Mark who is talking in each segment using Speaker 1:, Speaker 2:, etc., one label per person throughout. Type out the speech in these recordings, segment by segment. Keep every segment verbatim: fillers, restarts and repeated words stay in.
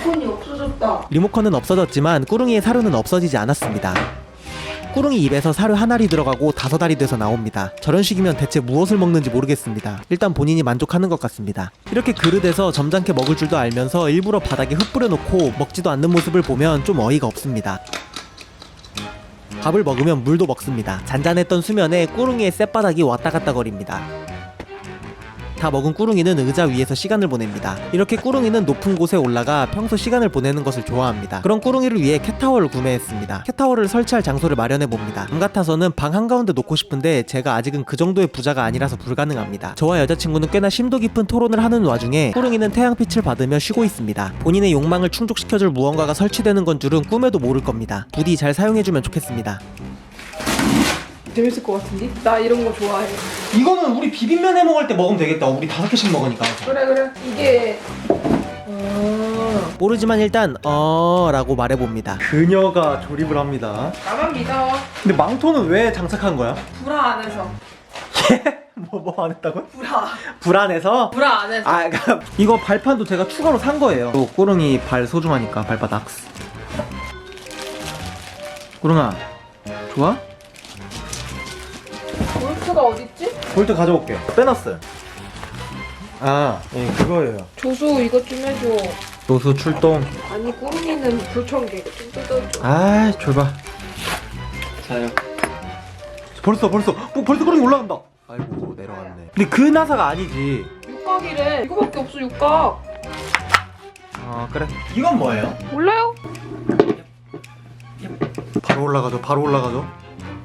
Speaker 1: 리모컨이 없어졌다.
Speaker 2: 리모컨은 없어졌지만 꾸릉이의 사료는 없어지지 않았습니다. 꾸릉이 입에서 사료 한 알이 들어가고 다섯 알이 돼서 나옵니다. 저런 식이면 대체 무엇을 먹는지 모르겠습니다. 일단 본인이 만족하는 것 같습니다. 이렇게 그릇에서 점잖게 먹을 줄도 알면서 일부러 바닥에 흙 뿌려놓고 먹지도 않는 모습을 보면 좀 어이가 없습니다. 밥을 먹으면 물도 먹습니다. 잔잔했던 수면에 꾸릉이의 쌔바닥이 왔다 갔다 거립니다. 다 먹은 꾸릉이는 의자 위에서 시간을 보냅니다. 이렇게 꾸릉이는 높은 곳에 올라가 평소 시간을 보내는 것을 좋아합니다. 그런 꾸릉이를 위해 캣타워를 구매했습니다. 캣타워를 설치할 장소를 마련해봅니다. 맘 같아서는 방 한가운데 놓고 싶은데 제가 아직은 그 정도의 부자가 아니라서 불가능합니다. 저와 여자친구는 꽤나 심도 깊은 토론을 하는 와중에 꾸릉이는 태양빛을 받으며 쉬고 있습니다. 본인의 욕망을 충족시켜줄 무언가가 설치되는 건 줄은 꿈에도 모를 겁니다. 부디 잘 사용해주면 좋겠습니다.
Speaker 1: 재밌을 것 같은데? 나 이런 거 좋아해.
Speaker 2: 이거는 우리 비빔면 해 먹을 때 먹으면 되겠다. 우리 다섯 개씩 먹으니까.
Speaker 1: 그래 그래. 이게 어...
Speaker 2: 모르지만 일단 어... 라고 말해봅니다. 그녀가 조립을 합니다.
Speaker 1: 나만 믿어.
Speaker 2: 근데 망토는 왜 장착한 거야?
Speaker 1: 불화 안에서.
Speaker 2: 뭐 뭐 안 했다고요?
Speaker 1: 불화.
Speaker 2: 불안해서?
Speaker 1: 불화 안에서.
Speaker 2: 아, 그러니까 이거 발판도 제가 추가로 산 거예요. 또 꾸릉이 발 소중하니까 발바닥. 꾸릉아, 좋아?
Speaker 1: 볼트가 어딨지?
Speaker 2: 볼트 가져올게요. 빼놨어요. 아, 예, 그거예요.
Speaker 1: 조수 이것 좀 해줘.
Speaker 2: 노수 출동.
Speaker 1: 아니 꾸릉이는 불청객 이거 좀 뜯어줘.
Speaker 2: 아, 좁아. 자요. 벌써 벌써 어, 벌써 꾸릉이 올라간다. 아이고 내려갔네. 근데 그 나사가 아니지.
Speaker 1: 육각이래. 이거밖에 없어 육각.
Speaker 2: 아 그래. 이건 뭐예요?
Speaker 1: 몰라요?
Speaker 2: 바로 올라가죠. 바로 올라가죠.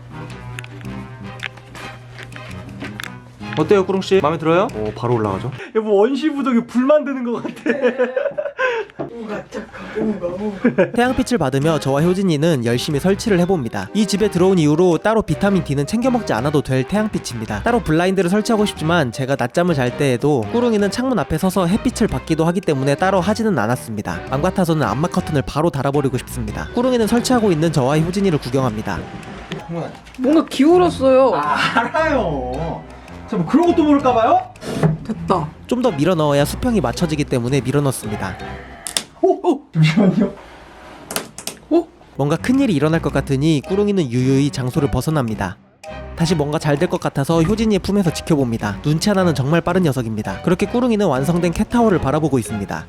Speaker 2: 어때요, 꾸릉씨? 마음에 들어요? 오, 바로 올라가죠. 여보, 원시부족이 불 만드는 것 같아.
Speaker 1: 우가 착하 우가 우가.
Speaker 2: 태양빛을 받으며 저와 효진이는 열심히 설치를 해봅니다. 이 집에 들어온 이후로 따로 비타민 D는 챙겨 먹지 않아도 될 태양빛입니다. 따로 블라인드를 설치하고 싶지만 제가 낮잠을 잘 때에도 꾸릉이는 창문 앞에 서서 햇빛을 받기도 하기 때문에 따로 하지는 않았습니다. 맘 같아서는 암막 커튼을 바로 달아버리고 싶습니다. 꾸릉이는 설치하고 있는 저와 효진이를 구경합니다.
Speaker 1: 뭔가 기울었어요.
Speaker 2: 아, 알아요. 저 뭐 그런 것도 모를까봐요?
Speaker 1: 됐다.
Speaker 2: 좀 더 밀어 넣어야 수평이 맞춰지기 때문에 밀어 넣습니다.
Speaker 1: 오! 오!
Speaker 2: 잠시만요.
Speaker 1: 오!
Speaker 2: 뭔가 큰일이 일어날 것 같으니 꾸릉이는 유유히 장소를 벗어납니다. 다시 뭔가 잘 될 것 같아서 효진이의 품에서 지켜봅니다. 눈치 하나는 정말 빠른 녀석입니다. 그렇게 꾸릉이는 완성된 캣타워를 바라보고 있습니다.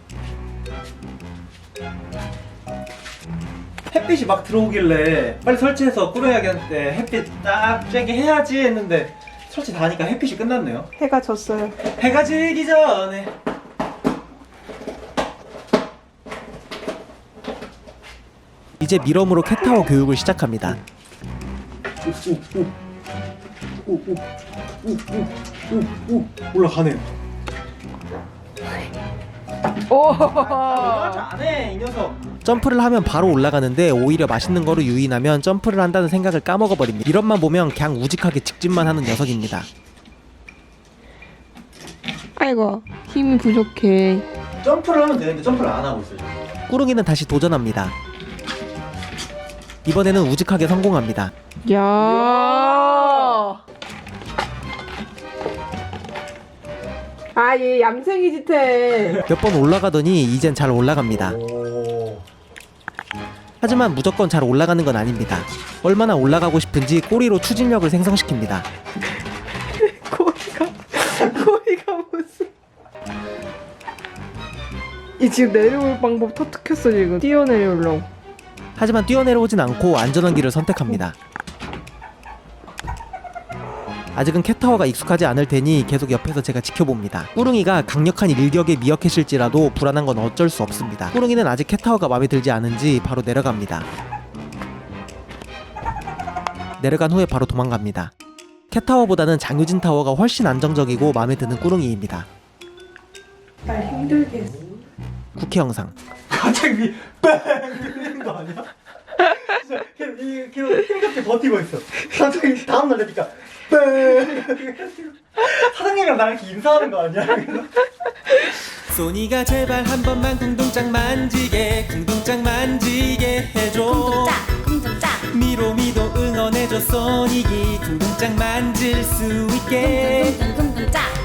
Speaker 2: 햇빛이 막 들어오길래 빨리 설치해서 꾸릉이한테 햇빛 딱 쬐게 해야지 했는데 설치 다 하니까 햇빛이 끝났네요.
Speaker 1: 해가 졌어요.
Speaker 2: 해가 지기 전에. 이제 미럼으로 캣타워 교육을 시작합니다. 오오오오오오오오 올라가네요.
Speaker 1: 오!
Speaker 2: 잘해 이 녀석. 점프를 하면 바로 올라가는데 오히려 맛있는 거로 유인하면 점프를 한다는 생각을 까먹어버립니다. 이런만 보면 그냥 우직하게 직진만 하는 녀석입니다.
Speaker 1: 아이고 힘이 부족해.
Speaker 2: 점프를 하면 되는데 점프를 안 하고 있어요. 꾸릉이는 다시 도전합니다. 이번에는 우직하게 성공합니다.
Speaker 1: 야. 아, 얘 얌생이 짓해.
Speaker 2: 몇 번 올라가더니 이젠 잘 올라갑니다. 하지만 무조건 잘 올라가는 건 아닙니다. 얼마나 올라가고 싶은지 꼬리로 추진력을 생성시킵니다.
Speaker 1: 꼬리가 꼬리가 무슨? 이 지금 내려올 방법 터득했어 지금. 뛰어내려오려고.
Speaker 2: 하지만 뛰어내려오진 않고 안전한 길을 선택합니다. 아직은 캣타워가 익숙하지 않을 테니 계속 옆에서 제가 지켜봅니다. 꾸릉이가 강력한 일격에 미역해실지라도 불안한 건 어쩔 수 없습니다. 꾸릉이는 아직 캣타워가 마음에 들지 않은지 바로 내려갑니다. 내려간 후에 바로 도망갑니다. 캣타워보다는 장유진 타워가 훨씬 안정적이고 마음에 드는 꾸릉이입니다.
Speaker 1: 날 힘들게 했어.
Speaker 2: 쿠키 영상. 갑자기 뺑 이러는 거 아니야? 진짜 걔 걔 힘겹게 버티고 있어. 갑자기 다음 날 되니까 뺑. 사장님이랑 나랑 이렇게 인사하는 거 아니야? 소니가 제발 한 번만 궁둥짝 만지게 궁둥짝 만지게 해줘.
Speaker 3: 궁둥짝 궁둥짝
Speaker 2: 미로미도 응원해줘. 소닉이 궁둥짝 만질 수 있게.
Speaker 3: 궁둥궁둥